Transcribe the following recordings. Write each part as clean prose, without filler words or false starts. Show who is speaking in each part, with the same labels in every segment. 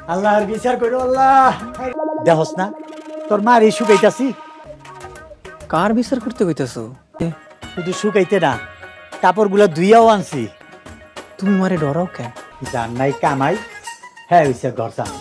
Speaker 1: আল্লাহর বিচার করো আল্লাহ। দেখস না তোর মার এই শুকাইতাছি।
Speaker 2: কার বিচার করতে কইতাছো?
Speaker 1: শুধু শুকাইতে না, কাপড়গুলো ধুইয়াও আনছি।
Speaker 2: তুমি মারে ডরাও কেন?
Speaker 1: জান নাই কামাই, হ্যাঁ হইছে ঘর জান।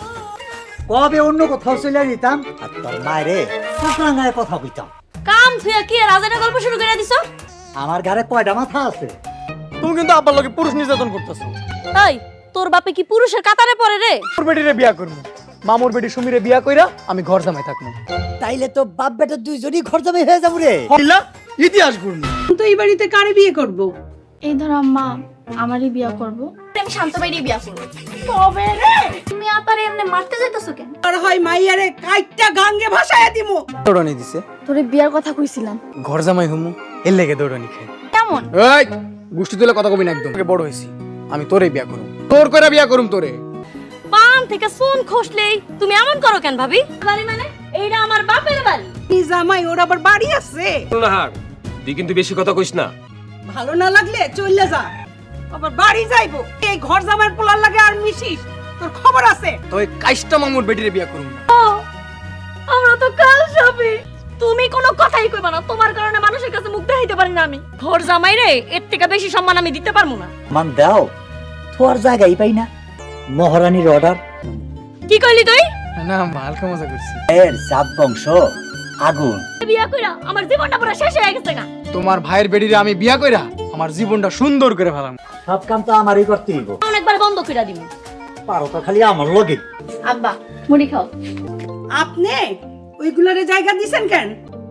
Speaker 1: কবে অন্য কোথাও চলে যেতাম আর তোর মায়েরে শুকরাঙ্গায় কথা কইতাম।
Speaker 3: কাম থুয়া কি রাজাটা গল্প শুরু করে দিছো?
Speaker 1: আমার ঘরে কয়টা মাথা আছে?
Speaker 2: তুমি কিন্তু আব্বার লগে পুরুষ নির্যাতন করতেছো।
Speaker 3: এই তোর বাপে কি পুরুষের কাতারে পড়ে রে?
Speaker 2: তোর বেটিরে বিয়া করব, মামুর বেটি সুমিরে বিয়া কইরা আমি ঘর জামাই থাকবো।
Speaker 1: তাইলে তো বাপ বেটা দুইজনই ঘর জমে হয়ে যাবো রে।
Speaker 2: হইলা ইতিহাস ঘুরনি।
Speaker 4: তো এই বাড়িতে কারে বিয়ে করব?
Speaker 5: এই ধর আম্মা আমারই বিয়া করব।
Speaker 3: আমি শান্ত বাইরে বিয়া করব। তবে রে তুমি আপারে এমনি মারতে যাইতাছো কেন?
Speaker 4: আর হয় মাইয়ারে কাইটটা গাঙ্গে ভাসায়া দিমু।
Speaker 2: দৌড়ানি দিছে,
Speaker 5: তোরে বিয়ার কথা কইছিলাম।
Speaker 2: ঘর জামাই হমু, এর লেগে দৌড়ানি খাই।
Speaker 3: কেমন?
Speaker 2: এই গোষ্ঠী তুলে কথা কবি না একদম। বড় হইছি আমি তোরে বিয়া করব, তোর কইরা বিয়া করুম তোরে।
Speaker 3: পান থেকে সুন খসলেই তুমি এমন করো কেন ভাবি? বাড়ি মানে এইটা আমার বাপের বাড়ি।
Speaker 4: এই জামাই ওর আবার বাড়ি আছে।
Speaker 6: নাহার তুই কিন্তু বেশি কথা কইস না।
Speaker 4: ভালো না লাগলে চলে যা, আবার বাড়ি যাইবো। এই ঘর জামাইয়ের পোলার লাগে আর মিশিস, তোর খবর আছে।
Speaker 2: তুই কাইষ্টা মামুর বেটিরে বিয়া করুম না।
Speaker 3: আমরা তো কাল যাবে। তুমি কোনো কথাই কইবা না, তোমার কারণে মানুষের কাছে মুখ দেখাইতে পারি না আমি। ঘর জামাই রে এর থেকে বেশি সম্মান আমি দিতে পারবো না।
Speaker 1: মান দাও, তোর জায়গায় পাই না। মহারানীর অর্ডার।
Speaker 3: কি কইলি তুই?
Speaker 2: না হালকা মজা করছি।
Speaker 1: এর জাত বংশ আগুন।
Speaker 3: বিয়া কইরা আমার জীবনটা পুরো শেষ হয়ে গেছে না।
Speaker 2: তোমার ভাইয়ের বেটিরে আমি বিয়া কইরা আমার জীবনটা সুন্দর করে ফেলাম।
Speaker 1: সব কাম তো আমারই করতে হইব।
Speaker 3: অনেকবার বন্ধ কইরা দিমু।
Speaker 1: পারো তো খালি আমার লগে।
Speaker 5: আব্বা মুড়ি খাও।
Speaker 4: আপনি ওইগুলারে জায়গা দিছেন কেন?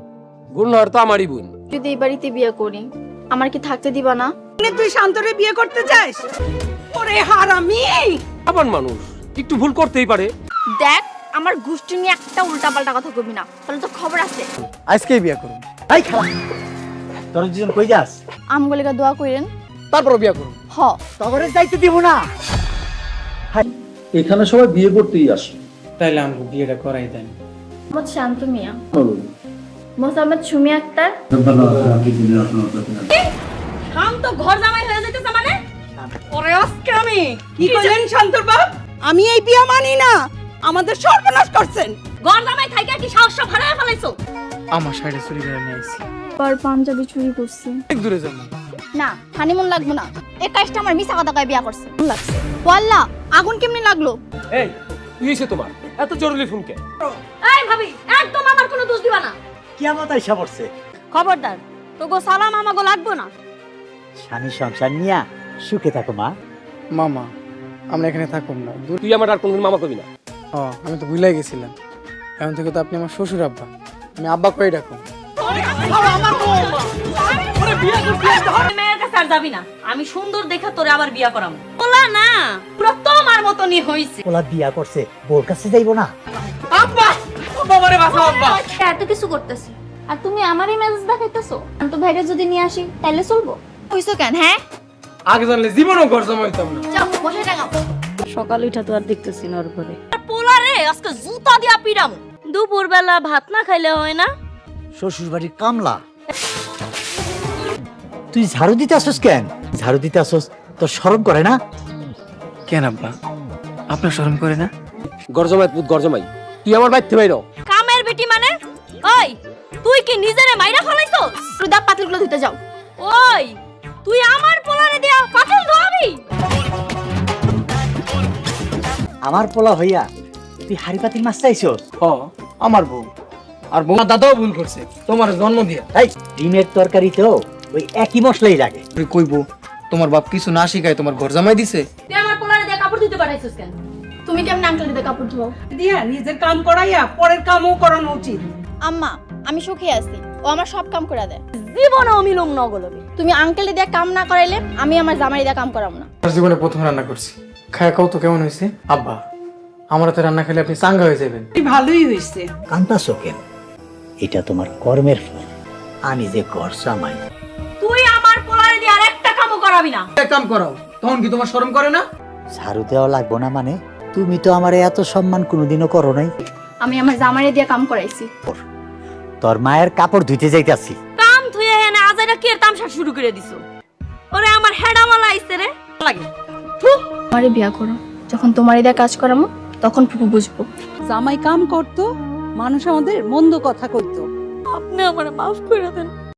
Speaker 6: গুণহর তো আমারই বোন।
Speaker 5: যদি এই বাড়িতে বিয়া করি আমার কি থাকতে দিবা না?
Speaker 4: তুই শান্তরে বিয়ে করতে চাস? ওরে হারামি!
Speaker 6: আবার মানুষ একটু ভুল করতেই পারে।
Speaker 5: দেখ আমার গোষ্ঠী নিয়ে একটা উল্টাপাল্টা কথা কইবি না, তাহলে তো খবর আছে।
Speaker 2: আজকেই বিয়া করুম,
Speaker 1: এই খালা, তোর দুজন কই যাস?
Speaker 5: আমগলিকা দোয়া কইরেন,
Speaker 2: তারপর বিয়া করুম।
Speaker 5: হ
Speaker 1: তগরে যাইতে দিব না।
Speaker 7: এখানে সবাই বিয়ে করতেই আসে।
Speaker 2: তাইলে আমাকে বিয়েটা করাই দেন।
Speaker 5: মোহাম্মদ শান্ত মিয়া, মোহাম্মদ সুমি আক্তার।
Speaker 3: আম তো ঘর জামাই হয়ে যাইতেছে মানে? ওরে আজকে আমি
Speaker 4: কি কইলেন শান্তর বাপ? আমি এই বিয়ে মানি না, আমাদের সর্বনাশ করছেন।
Speaker 3: ঘর জামাই থাইকা কি সাহস সব হারায় ফেলাইছো?
Speaker 2: আমার সাইডে চুরি করে নিয়ে আইছি।
Speaker 5: পর পাঞ্জাবি চুরি করছি।
Speaker 2: অনেক দূরে যাবো।
Speaker 5: না হানিমুন লাগবো না, এই কাজটা আমার মিছা কথা কয়ে বিয়া করছে। লাগছে ওয়াল্লাহ, আগুন কেমনে লাগলো?
Speaker 6: এই কি হইছে তোমার? এত জরুরি ফোন কে?
Speaker 3: এই ভাবি একদম আমার কোনো দোষ দিবা না।
Speaker 1: কিয়ামত আইসা পড়ছে।
Speaker 3: খবরদার তোগো সালাম আমাগো লাগবো না।
Speaker 1: স্বামী সংসার নিয়া সুখে থাকো মা।
Speaker 2: মামা আমরা এখানে থাকুম না।
Speaker 6: তুই আমার আর কোনদিন মামা কবি না।
Speaker 2: আমি তো ভুলাই গেছিলাম। এখন থেকে তো আপনি আমার শ্বশুর আব্বা, আমি আব্বা কই ডাকুম।
Speaker 3: মেয়ের কাছে আর যাবি না, আমি সুন্দর দেখা তোরে আবার বিয়া করাম। বলা না পুরো তোমার মতনই হইছে।
Speaker 1: ওলা বিয়া করছে, বোর কাছে যাইবো না।
Speaker 2: আব্বা বাবারে বাঁচাও আব্বা।
Speaker 5: এত কিছু করতেছি আর তুমি আমারই মেজাজ দেখাইতেছো। আমি তো ভাইরে যদি নিয়ে আসি তাইলে চলবো। কইছো কেন? হ্যাঁ
Speaker 2: আগে জানলে জীবনও ঘর জমাইতাম না।
Speaker 5: যাও বসে টাঙাও।
Speaker 3: সকাল উঠা তো আর দেখতেছি না ওর পরে। পোলারে আজকে জুতা দিয়া পিরাম। দুপুর বেলা ভাত না খাইলে হয় না?
Speaker 1: শ্বশুর বাড়ির কামলা। তুই ঝাড়ু দিতে আসোস কেন? ঝাড়ু দিতে আসোস তোর শরম করে না?
Speaker 2: কেন আব্বা আপনার শরম করে না?
Speaker 6: গরজমাই পুত গরজমাই, তুই আমার বাইতে বাইরো।
Speaker 3: কামের বেটি মানে? ওই তুই কি নিজেরে মাইরা ফলাইছো?
Speaker 5: রুদা পাতিলগুলো ধুতে যাও।
Speaker 3: ওই তুই আমার পোলারে দিয়া পাতিল ধোয়াবি?
Speaker 1: আমার পোলা হইয়া তুই হাড়ি পাতিল মাছ চাইছস?
Speaker 2: আমার বউ আর বউ দাদাও ভুল করছে তোমার জন্ম দিয়া।
Speaker 1: এই ডিমের তরকারিতেও ওই একই মশলাই লাগে।
Speaker 2: তুই কইবো তোমার বাপ কিছু না শিখায় তোমার ঘর জামাই দিছে?
Speaker 3: তুই আমার পোলারে দিয়া কাপড় ধুতে পাঠাইছিস কেন?
Speaker 5: তুমি কেমন আঙ্কেল দিতে কাপড় ধোও?
Speaker 4: দিয়া নিজের কাম করাইয়া পরের কামও করানো উচিত।
Speaker 5: আম্মা আমি সুখে আছি, ও আমার সব কাম করে দেয়।
Speaker 3: জীবনে অমিলম নগলবে।
Speaker 5: তুমি আঙ্কেল দিয়ে কাম না করাইলে আমি আমার জামাই দিয়ে কাম করাম না।
Speaker 2: জীবনে প্রথম রান্না করছি, খায় কত কেমন হয়েছে? আব্বা আমার হাতে রান্না খেলে আপনি চাঙ্গা হয়ে যাবেন।
Speaker 4: ভালোই হইছে।
Speaker 1: কান্তাছো কেন? এটা তোমার কর্মের ফল। আমি যে ঘর জামাই।
Speaker 3: তুই আমার পোলারে দিয়া আরেকটা কামও করাবি না।
Speaker 2: এক কাম করাও, তখন কি তোমার শরম করে না?
Speaker 1: ঝাড়ু দেওয়া লাগবো না মানে? তুমি তো আমার এত সম্মান কোনোদিনও করো নাই।
Speaker 5: আমি আমার জামাই দিয়ে কাম করাইছি।
Speaker 1: তোর মায়ের কাপড় ধুইতে যাইতাছি।
Speaker 3: কাম থুয়ে এনে আজাইরা কি এর তামসা শুরু করে দিছো? ওরে আমার হেডামালা আইছে রে লাগে।
Speaker 5: আমারে বিয়া করো, যখন তোমারই দিয়ে কাজ করামো
Speaker 3: তখন ফুপু বুঝবো।
Speaker 4: জামাই কাম করতো, মানুষ আমাদের মন্দ কথা কইতো।
Speaker 3: আপনি আমারে মাফ করে দেন।